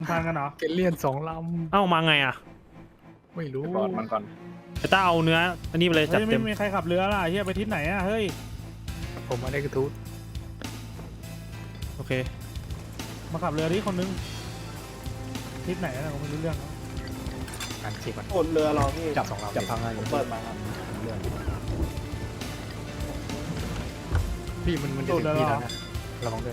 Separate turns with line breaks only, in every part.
พันกันเหรอ
เกลเลียน2 ล
เอ้ามาไงอ่ะ
ำไม่รู้
ก่อนมันก่อน
ไอ้ต้าเอาเนื้ออันนี้ไปเลยจัด
เฮ้ย
เต็ม
ไม่มีใครขับเรือล่ะเฮียไปทิศไหนอ่ะเฮ้ย
ผมมาได้กระทู้
โอเค
มาขับเรือที่คนนึงทิศไหนนะผมไม่รู้เรื่องนะ
งานสิมัน
โอนเรือเราพี่
จับ2 ลำจับพังอะไร
ผมเปิดมาครับ
พี่มันจะถึงพี่แล้วนะระวังด้วย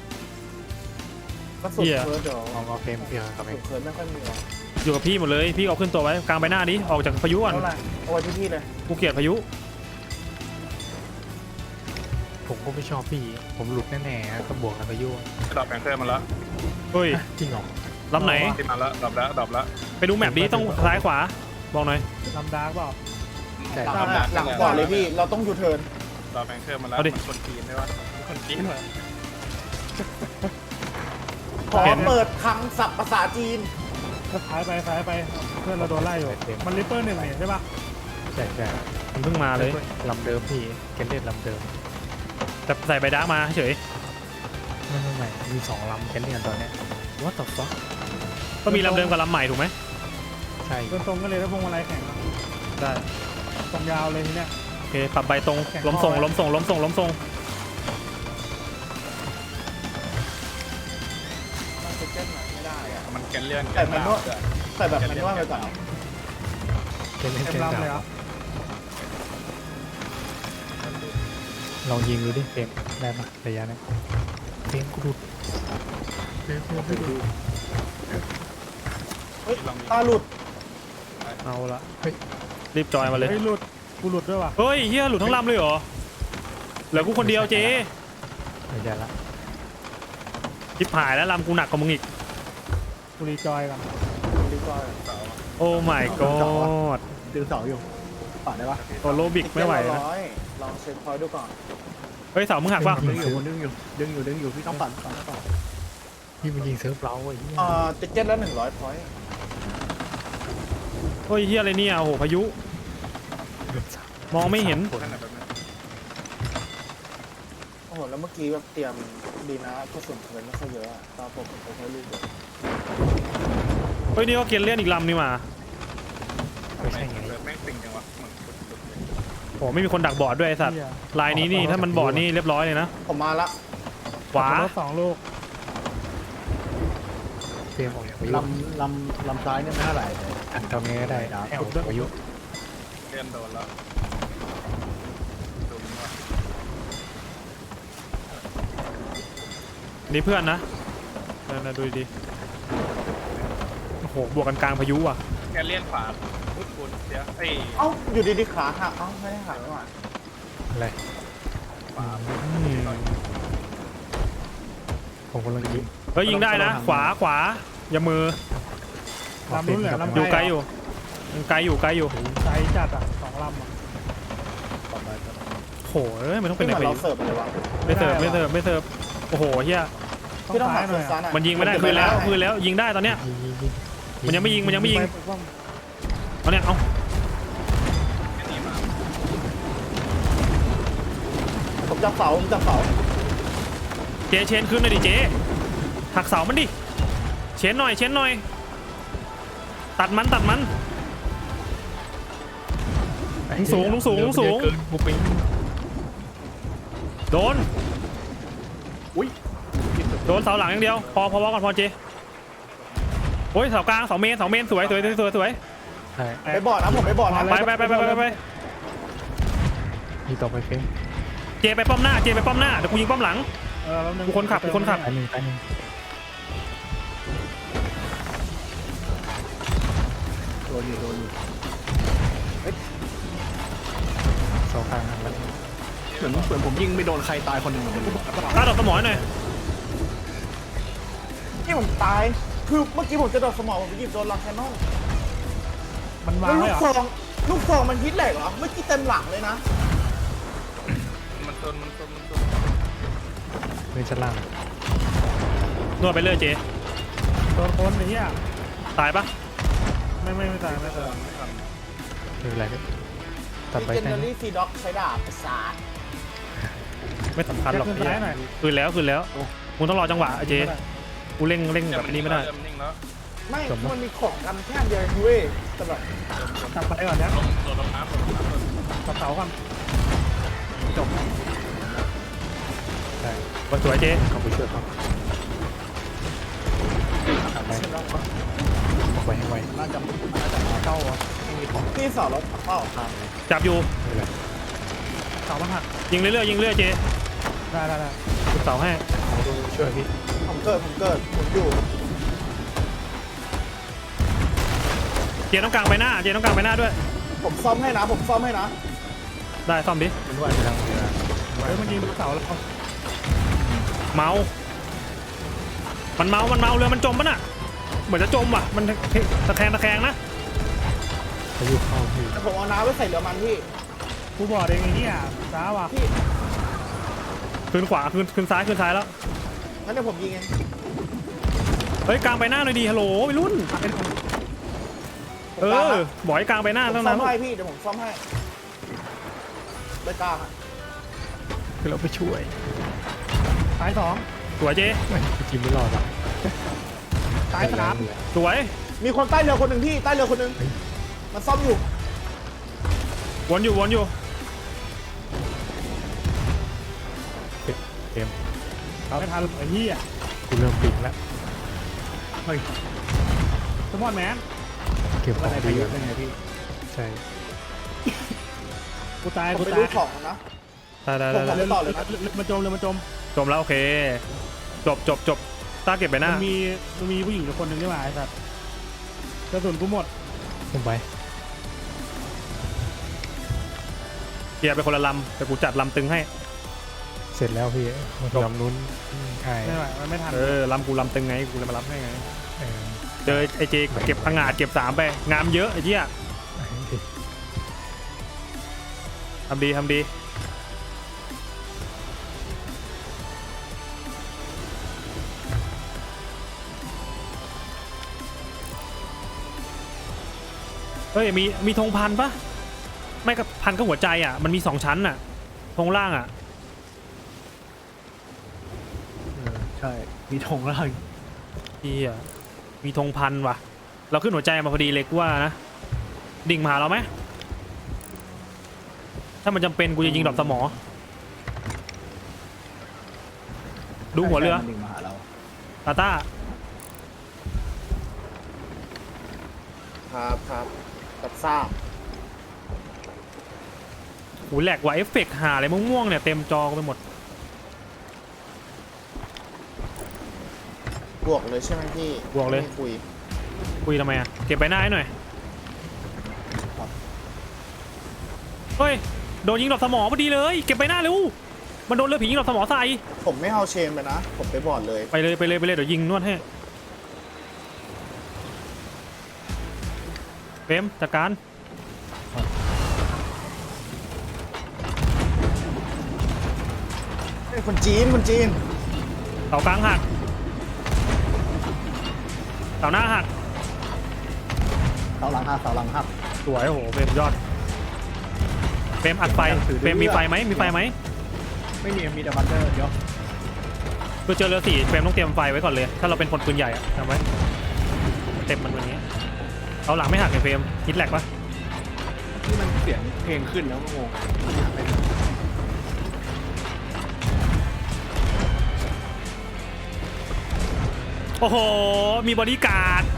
ก็สุดเคิร์ดเดี๋ยว
เอาเฟรมพี่ครับเอ
สุ
ง
ดเคิร์ดไม่ค่อยมีหรอก
อยู่กับพี่หมดเลยพี่เอาขึ้นตัวไว้กลางใบหน้าดิออกจากพายุก่อน
เท่าไหร่เอาไว้ที่พี่เลย
กูเกลียดพายุ
ผมก็ไม่ชอบพี่ผมหลุดแน่ๆก็บวกกับพายุ
ดรอปแองเกิลมาแล้ว
เฮ้ย
จริงเหรอ
ลำไหน
ที่มาแล้วดรอปแล้ว
ไปดูแมปดิต้องซ้ายขวาบอกหน่อย
ลำดาร์กเปล่า
ใช่
หลังก่อนเลยพี่เราต้องยูเทิร์น
ดรอปแองเกิลมาแล้ว
เอาดิ
มันคนจีนใช่ปะมันคนจีนเหรอ
ขอเปิดคลังศัพท์ภาษาจีน
ซ้ายไปเพื่อนเราโดนไล่อยู่มันริปเปอร์หนึ่งเนี่ยใช่ปะ
ใช่ใช่
มันเพิ่งมาเลย
ลำเดิมพี่เกลเลียนลำเดิม
แต่ใส่ใบดาร์กมาเฉย
ไม่มี2 ลำเกลเลียนตอนเนี้ย What the fuck
ก็มีลำเดิมกับลำใหม่ถูกไหม
ใช่
เดินตรงกันเลยแล้วพวงมาลัยแข่ง
ได้
ตรงยาวเลยทีเนี้ย
โอเคปรับใบตรง
แข่ง
ล้มส่ง
ข้อไว้
ล้มส่งล้มส่งล้มส่ง
มันจะเจ็ดหน่อยไม่ได้อะ
มันแกนเลื่อน
แต่มันนวดแต่แบบมันนวดไปก่อน
เกลเลียน
เต็ม
เกล
ลำเลยเหรอ
ลองยิงดูดิเฟรมได้ปะระยะนี้เฟรมกูดูเฟรมไม่ดู
เฮ้ยตาหลุด
เอาละรีบจอยมาเลย
เฮ้ยหลุดกูหลุดด้วยว่ะ
เฮ้ยเฮียหลุดทั้งลำเลยเหรอเหลือกูคนเดียวเจ๊
ระยะละ
ชิบหายแล้วลำกูหนักกว่ามึงอีก
กูรีจอยก่อน
ดีกว่า
โอ้ my god
ดึงเสาอยู่ป่าได้ปะ
โอโลบิกไม่ไหวนะ
ลองเช็คพอยต์ดูก่อน
เฮ้ยเสามึงหักป่ะ
ดึงอยู่พี่ต้องปั่นต่อ
พี่มันยิงเซิร์ฟเราไอ้เหี้ย
ติเก็ตละ100พอยต์
เฮ้ยเฮียอะไรเนี่ยโอ้โหพายุ มองไม่เห็น
ขนาดแบบนั้น
โอ้โหแล้วเมื่อกี้แบบเตรียมดีนะกระสุนเคิร์ดไม่ค่อยเยอะอะตาผมใช้ลูกเดียว
เฮ้ยนี่ก็เกียนเล่นอีกลำนี่มา
ไม่ใช่ไง
เลือดแม่งติ่งจังวะเหมือนสุดๆเลย
โอ้ไม่มีคนดักบอร์ดด้วยไอ้สัตว์
เหี้ย
ลายนี้นี่ถ้ามันบอร์ดนี่เรียบร้อยเลยนะ
ผมมาละ
ขวา
รถ2 ลูก
เฟรมออกจากพายุ
ลำซ้ายเนี่ยไม่เท่าไหร่
อันทำไงก็ได้ให้ออกจากพายุ
เลื่อนโดนแล้วดูมันว่า
นี่เพื่อนนะนั่นดูดีโอ้โหบวกกันกลางพายุอ่ะ
แกนเลื่อนขวาพุทธคุณเดี๋ยวเอ้ย
เอ้าอยู่ดีๆขาหักเอ้าไม่ได้หักไม่หว่า
อะไร
อืม
ผมกำลังยิง
เฮ้ยยิงได้นะ ขวาอย่ามือ
ลำนู้นเหลือลำ
อยู่ไกลอยู่ยังไกลอยู่
ไกลจัดอ่ะ2 ลำอ่ะ
โหเอ้ยมันต้องเป็
ไม่
น
เห
ไหน
มือน
ไป
เราเสิร์ฟเลยวะ
ไม่เสิร์ฟโอ้โหเฮีย
ต้อง
พี่ต้อง
ซ้า
หั
ย
ก
หน่อย
ซ้า
อะ
ย
มันยิงไม่ได้คืนแล้วยิงได้ตอนเนี้ย
ยิง
มันยังไม่ยิง
ไปป้อม
เอาเนี่ยเอา
อันนี้มา
ผมจับเสา
เจเชนขึ้นหน่อยดิเจหักเสามันดิเชนหน่อยตัดมันสูง
เกินกูปิง
โดนเสาหลังอย่างเดียวพอก่อนพอเจโอ้ยเสากลางเสาเมนสวย
ใช่
ไปบอดนะผมไปบอดนะ
ไป
มีต่อไปเฟรม
เจไปป้อมหน้าเดี๋ยวกูยิงป้อมหลัง
แป๊บนึง
กูคนขับ
ตายหนึ่งโดนอยู่เสากลางหักแล้ว
เหมือนผมยิงไม่โดนใครตายคนหนึ่ง
ตาดอกสมอหน่อย
ที่ผมตายคือเมื่อกี้ผมจะโดนสมองผมไปหยิบโดนลังแคนนอน
มันวา
แล้
ง
ว
ไว้เหรอ
ลูกซองมันฮิตแหลกเหรอเมื่อกี้เต็มหลังเลยนะ
มันโดน
เป็นชั้นล่าง
นวดไปเรื่อยเจ
โดนคนไอ้เหี้ย
ตายปะ
ไม่ตาย
ไม่เป็นไรก็ตัดไป
เจน
แค่
เนอ
นี้
รี่ซีด็อกใช้ดาบประสาท
ไม่สำคัญหรอก
ขึ้นซ้ายหน่อย
คืนแล้วมึงต้องรอจังหวะเจกูเร่งแบบนี้ไม่ได้
เริ่มนิ่งแล้ว
ไม่มันมีของกันแค่เดียวเองเว้ยแต่แบบ
ตัดไปก่อนนะ
ลงโดดลงน้ำลงน้ำลง
ตัดเสาก่อนจบ
ได้
วันสวยเจ๊
เข้าไปช่วยเขาทำไปบอกไว้ให้ไว
น่าจะมาเข้าวะไม่มีของ
พี่สอนรถเปล่า
ทาง
จับอยู่
ไม่เป็นไร
เสามันหัก
ยิงเรื่อยๆยิงเรื่อยๆเจ๊
ได้
จุดเสาให้
เอาดูช่วยพี่
ผมเกิดผมอยู่
เจ๊ต้องกลางไปหน้าเจ๊ต้องกลางไปหน้าด้วย
ผมซ่อมให้นะผมซ่อมให้นะ
ได้ซ่อมดิ
มันว่าจะทำเวลา
เฮ้ยมันยิงเสาแล้ว
เมามันเมาเรือมันจมปะน่ะเหมือนจะจมว่ะมันตะแคงนะ
พายุเข้าพี่
แต่ผมเอาน้ำไว้ใส่เรือมันพี่
กูบอกเองไอ้เนี่ยช้าว่ะ
พี่
คืนขวาคืนซ้ายแล้ว
งั้นเดี๋ยวผมยิงเอง
เฮ้ยกลางไปหน้าหน่อยดีฮัลโหลวัยรุ่นบอกให้กลางไปหน้า
ผม
ตั้ง
ซ่อ
นาม น
ให้พี่เดี๋ยวผมซ่อมให้เลยกลางอ่ะ
คือเราไปช่วย
ตายสอง
สวยเจ๊
ไม่จริงไม่รอดหรอก
ตายสาม
สวย
มีคนใต้เรือคนหนึ่งพี่ใต้เรือคนหนึ่งมันซ่อมอยู่
วนอยู่
เกม
ไม่ทันไอ้เหี้ย
กูเริ่มปิงแล้ว
สมอนแมน
เก็บของดีแล้วใช่
กูตาย
ผม
กู
ไป
ตา
ดู
ย
ของนะ
ได้
ผมไปต่อเลยนะ
เรือมันจม
จมแล้วโอเคจบตาเก็บไปหน้า
มันมีผู้หญิงอยู่คนหนึ่งนี่หว่าไอ้สัตว์กระสุนกูหมด
ผมไป
เกียร์ไปคนละลำแต่กูจัดลำตึงให้
เสร็จแล้วพี่มันลำนู้นใช่
ไม่ไหวมันไม่ทัน
ลำกูลำตึงไงกูเลยมารับให้ไง
เออ
เจอไอเจเก็บพังงาดเก็บ3ไปงามเยอะไอ้เจี๊ยทำดีเฮ้ยมีธงพันปะไม่กับพันก็หัวใจอ่ะมันมี2ชั้นอ่ะธงล่างอ่ะ
ใช่มีธงแล้ว
เฮียมีธงพันว่ะเราขึ้นหัวใจมาพอดีเลยกูว่านะดิ่งมาหาเราไหมถ้ามันจำเป็นกูจะยิงดอกสมอดูหัวเรือ
ดิ่งมาหาเรา
ตาต้า
ครับกับซ่า
หูแหลกว่ะเอฟเฟกต์หาอะไรม่วงๆเนี่ยเต็มจอไปหมด
บวกเลยใช่ไหมพี่
บวกเลย
ไม่คุย
คุยทำไมอ่ะเก็บใบหน้าให้หน่อยเฮ้ยโดนยิงดอกสมอพอดีเลยเก็บใบหน้าเร็วมันโดนเรือผียิงดอกสมอใส่
ผมไม่เอาเชนไปนะ ผมไปบอร์ดเลย
ไปเลยเดี๋ยวยิงนวดให้เฟรมจัดการ
เฮ้ยคนจีน
เสากลางหักเสาหน้าหัก
เสาหลังหัก
สวยโอ้โหเฟรมยอดเฟรมอัดไฟเฟรมมีไฟไหม
ไม่มีแต่บันเดอร์เดี๋ยว
เพื่อเจอเรือ4เฟรมต้องเตรียมไฟไว้ก่อนเลยถ้าเราเป็นคนปืนใหญ่อะจำไว้เต็มมันวันนี้เอาหลังไม่หักไอ้เฟรมฮิตแลกปะ
นี่มันเสียงเพลงขึ้นแล้วก็งง
โอ้โหมีบอดี้การ์ด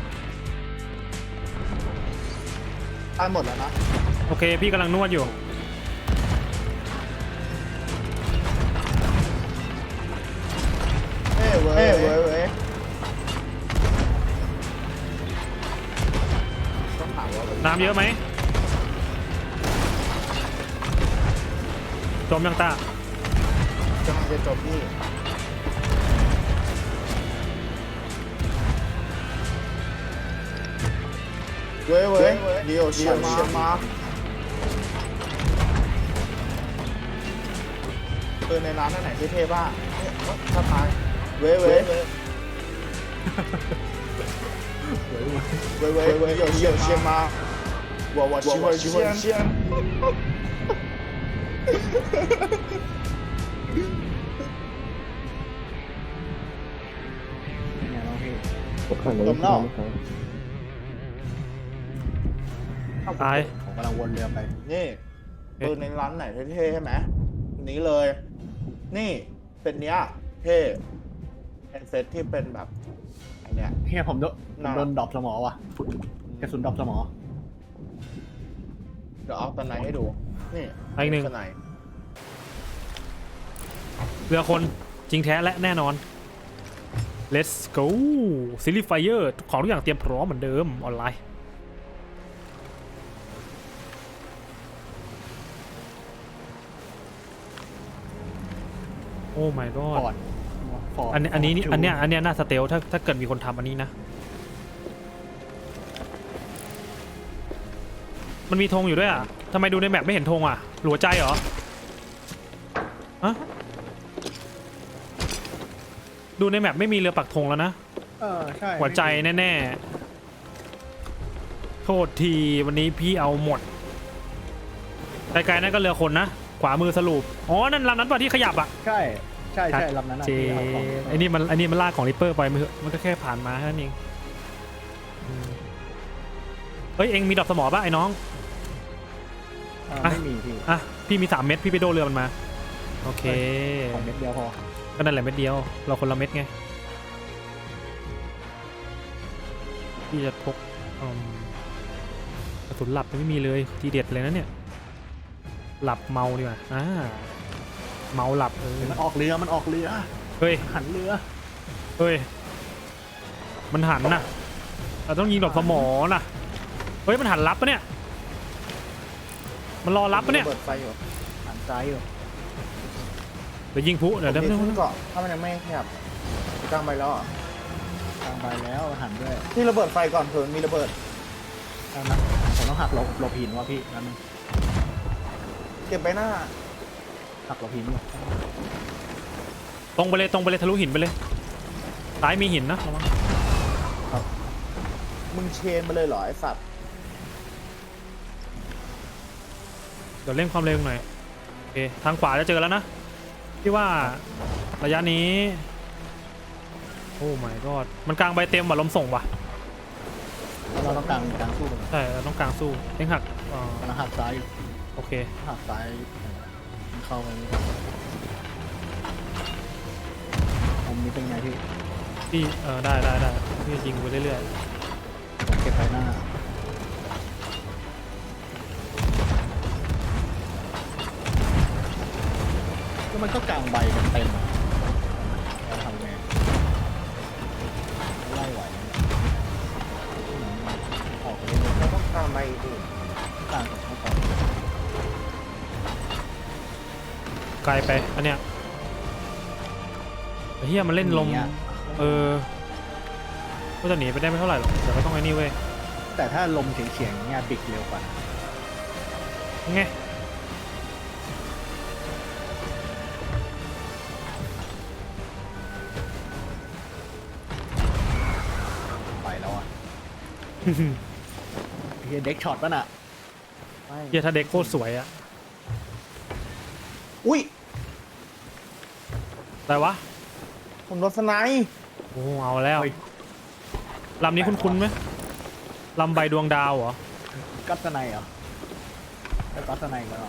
ตายหมดแล้วนะ
โอเคพี่กำลังนวดอยู่
เว้ยต้องถามว่า
น้ำเยอะไหมจมยังตา
จะมันจะจบพี่เว้ยเดี๋ยวเชียร์มาในร้านไหนเท่ๆบ้างถ้าตายเว้ย有些吗？我喜欢鲜。 จมแล้ว
ตาย
ผมกำลังวนเรือไป
นี่ปืนในร้านไหนเท่ๆใช่ไหมนี้เลย นี่เป็นเนี้ยเท่เป็นเซตที่เป็นแบบอันเนี้ย
เฮียผมโดนดรอปสมอว่ะกระสุนดรอปสมอ
เดี๋ยวเอาตะไนให้ดู นี่
อีกหนึ่ง
ตะไน
เรือคนจริงแท้และแน่นอน let's go ซิลิไฟเออร์ของทุกอย่างเตรียมพร้อมเหมือนเดิมออนไลน์โอ้ my
ฟ
god
อร์ดฟอร์ด
อันนี้น่าสเตลถ้าเกิดมีคนทำอันนี้นะ มันมีธงอยู่ด้วยอ่ะทำไมดูในแมปไม่เห็นธงอ่ะหลัวใจเหรอฮะดูในแมปไม่มีเรือปักธงแล้วนะ
ใช่
หัวใจแน่ๆโทษทีวันนี้พี่เอาหมดไกลๆนั่นก็เรือคนนะขวามือสรุปอ๋อนั่นลำนั้นป่ะที่ขยับอ่ะ
ใช่ลำนั้น
เจไอ้นี่มันลากของริปเปอร์ไปมันก็แค่ผ่านมาแค่นั้นเองเฮ้ยเอ็งมีดอกสมอป่ะไอ้น้อง
ไม่มีพี่
อ่ะพี่มี3 เม็ดพี่ไปโดนเรือมันมาโอเค
ของเม็ดเดียวพอ
ก็นั่นแหละเม็ดเดียวเราคนละเม็ดไงพี่จะพกกระสุนหลับยังไม่มีเลยทีเด็ดเลยนะเนี่ยหลับเมาดีกว่าเมาหลับ
มันออกเรือ
เฮ้ย
หันเรือ
เฮ้ยมันหันนะเราต้องยิงดอกสมอนะเฮ้ยมันหันรับปะเนี่ยมันรอรับปะเนี่ย
เปิดไฟอยู่
หันซ้ายอยู่
เดี๋ยวยิงพุเดี๋ยว
ผม
เดี๋ยว
มีขึ้นเกาะถ้ามันยังไม่ขยับกลางไปแล้วอ่ะ
ทางไปแล้วหันด้วย
พี่ระเบิดไฟก่อนเผื่อมันมีระเบิด
นะผมต้องหักหลบหินว่ะพี่นั่นนึง
เก็บไปหน้า
หักหลบหินอยู่
ตรงไปเลยทะลุหินไปเลยซ้ายมีหินนะระวัง
มึงเชนไปเลยเหรอไอ้สัตว์
เดี๋ยวเร่งความเร็วหน่อยโอเคทางขวาจะเจอแล้วนะพี่ว่าระยะนี้โอ้ my god มันกลางใบเต็มว่ะลมส่งว่ะ
เราต้องกลางสู้กัน
ใช่เราต้องกลางสู้เร่งหัก
กำลังหักซ้ายอยู่
โอเค
หักซ้ายเข้าไปผมนี้เป็นไงพี่
พี่ได้พี่ยิงไปเรื่อย
ผมเก็บไปหน้าก็มันก็กลางใบกันเต็มเราทำไงไล่ไหวออกไปเรื่อย
เราต้องตามไปดิ
ๆกลางกับเข้าไป
ๆไกลไปอันเนี้ยเฮียมันเล่นลมก็จะหนีไปได้ไม่เท่าไหร่หรอกเดี๋ยวก็ต้องไอ้นี่เว้ย
แต่ถ้าลมเฉียงๆเนี่ยบิกเร็วกว่า
ไง
ไปแล้วอ่ะ เฮียเด็กช็อตป่ะน่ะ
เฮียถ้าเด็กโคตรสวยอะ
อุ้ย
อะไรวะ
ผมโดนสไนป์
โอ้เอาแล้วลำนี้คุ้นๆไหมลำใบดวงดาวเหรอ
กัตสไนเหรอไอ้กัตสไนกันเหรอ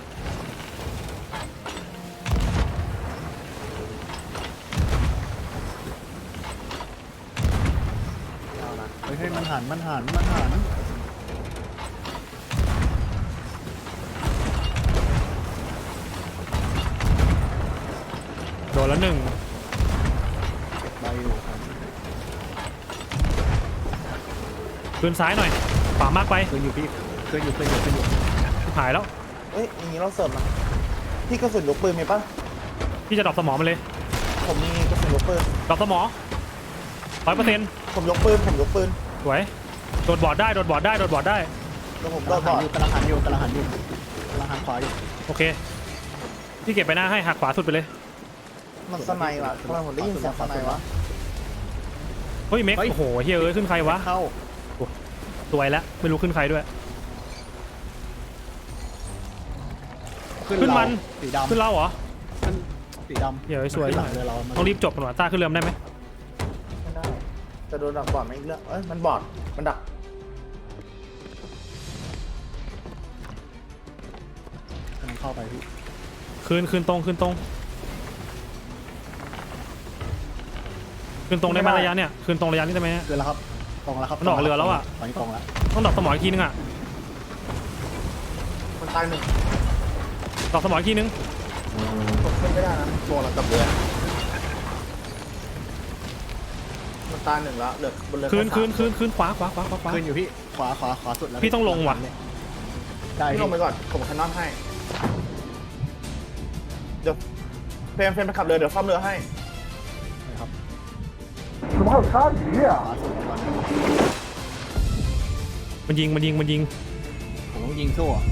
เฮ้ยมันหัน
โดนแล้ว1
ไปอยู่ครับ
คืนซ้ายหน่อยขวามากไป
เคยอยู่พี่เคยอยู่
หายแล้ว
เอ้ยอย่างนี้เราเสิร์ฟนะพี่กระสุนลูกปืนมีปะ
พี่จะดรอปสมองมันเลย
ผมมีกระสุนลูกปืน
ดรอปสมอง100%
ผมยกปืน
สวยโดดบอร์ดได้
แล้วผม
กำ
โด
ลั
น
ง
บอด
หันอยู่กำลังหันขวาอยู่
โอเคพี่เก็บไปหน้าให้หักขวาสุดไปเลย
มันสไนป์ว่ะทำไมผมได้ยินเสียงสไนป์วะ
เฮ้ยเม็กโอ้โหเฮ้ยขึ้นใครวะ
เข้า
สวยแล้วไม่รู้ขึ้นใครด้วย ขึ้นมัน
สีดำ
ขึ้นเราเหรอ
สีดำ
เดี๋ยวสวย
หลังเรือเรา
ต้องรีบจบกันว่ะต้าขึ้นเรือได้ไหม
ไม่ได้จะโดนดักบอดไหมอีกเรื่องเอ้ยมันบอดมันดัก
กำลังเข้าไปพี่
คืนตรงได้ไหมระยะเนี่ยคืนตรงระยะนี้ได้ไหม
เกินแล้วครับตรงแล้วครับ
มันออกเรือแล้วอะ
ตอนนี้ตรงแล้ว
ต้องดอกสมออีกทีนึงอ่ะ
มันตายหนึ่ง
ดอกสมออีกทีนึง
กดขึ้นไม่ได้นะตัวเรากับเรือมันตายหนึ่งแล้วเหลือบนเรือ
คืนขวา
ขึ้นอยู่พี่ขวาสุดแล้ว
พี่ต้องลงว่ะ
ได้
พี่
พี่
ลงไปก่อนผมคันนอนให้เดี๋ยวเฟรมไปขับเรือเดี๋ยวซ่อมเรือให้
ครับ
ขวาสุดก่อน
มันยิง
ผมต้องยิงสู้อะ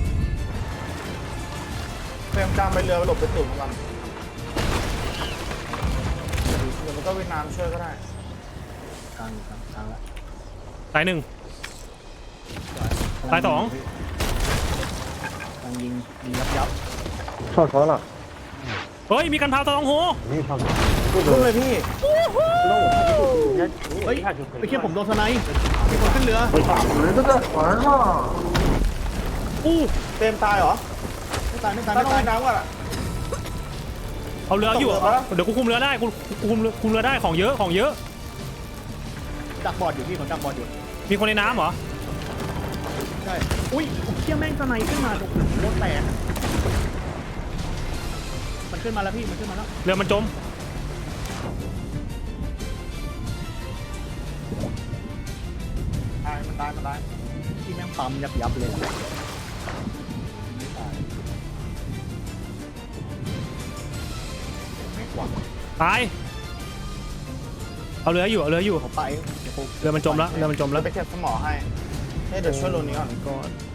เฟรมจามไปเรือหลบไปตุ่มกันเดี๋ยวมันก็เวียดนามช่วยก็ได้
กลางแล้ว
ตายหนึ่ง ตายสอง
กำลังยิงยับ
เฮ้ยมีกันพาวตะลองโห
ขึ้นเลยพี่
เฮ้ยไปเคียผมโดนสไนป์มีคนขึ้นเรือ
อู้
เฟรมตายเหรอ
ไม่ตาย
ถ้าต้องว่ายน้ำก่อนอะ
เอาเรืออยู่
ตกเรือปะ
เดี๋ยวกูคุมเรือได้กูคุมเรือได้ของเยอะ
ดักบอดอยู่พี่ผมดักบอดอยู่
มีคนในน้ำเหรอ
ใช่อุ้ยผมเคี่ยแม่งสไนป์ขึ้นมาตรงรถแตกมันขึ้นมาแล้วพี่มันขึ้นมาแล้ว
เรือมันจม
มันตาย
ที่แม่งปั๊มยับเลยไม่ตายไม่กว่า
ตายเอาเรืออยู่
ผมไปเดี๋ยวผม
เรือมันจมแล้ว
แล้วไปเก็บสมอให้เดี๋ยวช่วยโรนี้ก่อน
ก่อน